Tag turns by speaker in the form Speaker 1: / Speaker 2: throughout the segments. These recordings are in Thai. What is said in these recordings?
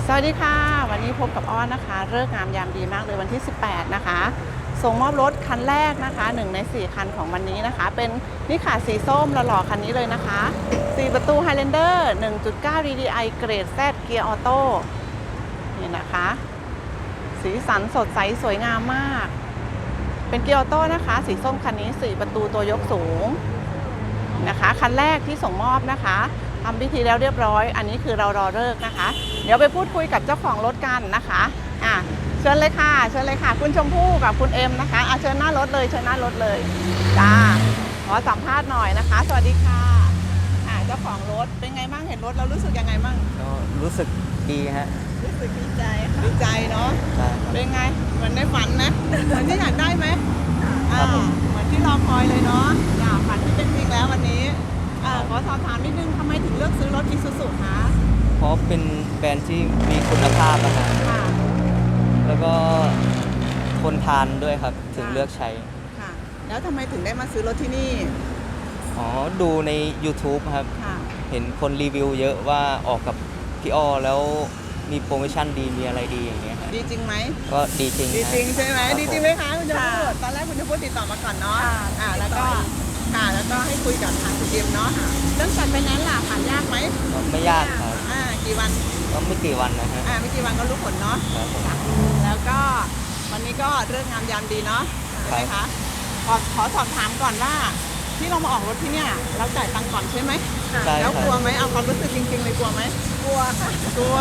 Speaker 1: สวัสดีค่ะวันนี้พบกับอ้อนนะคะฤกษ์งามยามดีมากเลยวันที่ 18 นะคะส่งมอบรถคันแรกนะคะ1 ใน 4 คันของวันนี้นะคะเป็นนี่ค่ะสีส้มหล่อๆคันนี้เลยนะคะ4 ประตู Highlander 1.9 DDI เกรด Z เกียร์ออโต้นี่นะคะสีสันสดใสสวยงามมากเป็นเกียร์ออโต้นะคะสีส้มคันนี้4 ประตูตัวยกสูงนะคะคันแรกที่ส่งมอบนะคะทำพิธีแล้วเรียบร้อยอันนี้คือเรารอฤกษ์นะคะเดี๋ยวไปพูดคุยกับเจ้าของรถกันนะคะเชิญเลยค่ะเชิญเลยค่ะคุณชมพู่กับคุณเอ็มนะคะเชิญหน้ารถเลยเชิญหน้ารถเลยจ้าขอสัมภาษณ์หน่อยนะคะสวัสดีค่ะเจ้าของรถเป็นไงบ้างเห็นรถเรารู้สึกยังไงบ้าง
Speaker 2: ก็รู้สึกดีฮะ
Speaker 1: รู้สึกดีใจดีใจเนาะเป็นไงเหมือนในฝันนะเหมือนที่อยากได้ไหมเหมือนที่รอคอยเลยเนาะฝันที่เป็นจริงแล้ววันนี้ขอสอบถามนิดนึงทำไมถึงเลือกซื้อรถ Isuzu คะ
Speaker 2: เพราะเป็นแบรนด์ที่มีคุณภาพนะฮะแล้วก็ทนทานด้วยครับถึงเลือกใช้
Speaker 1: ค่ะแล้วทำไมถึงได้มาซื้อรถที่นี่
Speaker 2: ดูใน YouTube ครับเห็นคนรีวิวเยอะว่าออกกับพี่อ้อแล้วมีโปรโมชั่นดีมีอะไรดีอย่างเงี้ย
Speaker 1: ดีจริงไหม
Speaker 2: ก็ดีจริง
Speaker 1: ดีจริงใช่ไหมดีจริงไหมคะคุณชมพู่ตอนแรกคุณชมพู่ติดต่อมาก่อนเนาะแล้วก็ให้คุยกับทางคุณเอ็มเนาะเรื่องจัดไฟแนนซ์ล่ะผ่านยากไหม
Speaker 2: ไม่ยากครับ
Speaker 1: กี่วัน
Speaker 2: ก็ไม่กี่วันนะฮะ
Speaker 1: ไม่กี่วันก็รู้ผลเนาะแล้วก็วันนี้ก็เรื่องงามยามดีเนาะใช่ไหมคะขอสอบถามก่อนว่าที่เรามาออกรถที่เนี่ยเราจ่ายตังค์ก่อนใช่ไหมแล้วกลัวไหมเอาความรู้สึกจริงๆเลยกลัวไหม
Speaker 3: กลัวค่ะ
Speaker 1: กลัว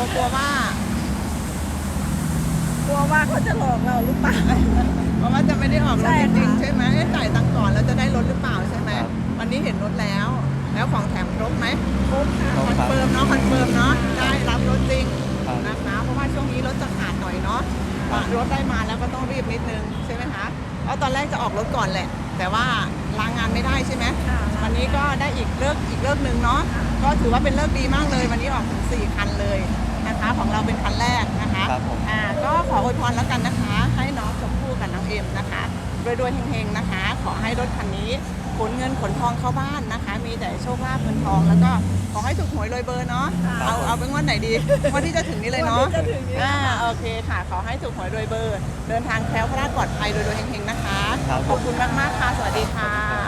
Speaker 1: ว่า
Speaker 3: เขาจะหลอกเราหรือเปล่า
Speaker 1: เพราะว่าจะไม่ได้ออกรถจริงๆใช่ไหมจ่ายตังค์ก่อนแล้วจะได้รถหรือเปล่าใช่ไหมวันนี้เห็นรถแล้วของแถมครบไหม
Speaker 3: ครบค่ะ
Speaker 1: คอนเฟิร์มเนาะได้รับรถจริงนะคะเพราะว่าช่วงนี้รถจะขาดหน่อยเนาะรถได้มาแล้วก็ต้องรีบนิดนึงใช่ไหมคะแล้วตอนแรกจะออกรถก่อนแหละแต่ว่าลางานไม่ได้ใช่ไหมวันนี้ก็ได้อีกเลิกหนึ่งเนาะก็ถือว่าเป็นเลิกดีมากเลยวันนี้ออกถึง4 คันเลยนะคะของเราเป็นคันแรกนะคะก็ขออวยพรแล้วกันนะคะให้น้องชมพู่กับน้องเอ็มนะคะรวยๆเฮงๆนะคะขอให้รถคันนี้ขนเงินขนทองเข้าบ้านนะคะมีแต่โชคลาภเงินทองแล้วก็ขอให้ถูกหวยรวยเบอร์เนาะเอาเป็นวันไหนดีวันที่จะถึงนี้เลยเนาะโอเคค่ะขอให้ถูกหวยรวยเบอร์เดินทางแคล้วคลาดปลอดภัยรวยๆเฮงๆนะคะขอบคุณมากๆค่ะสวัสดีค่ะ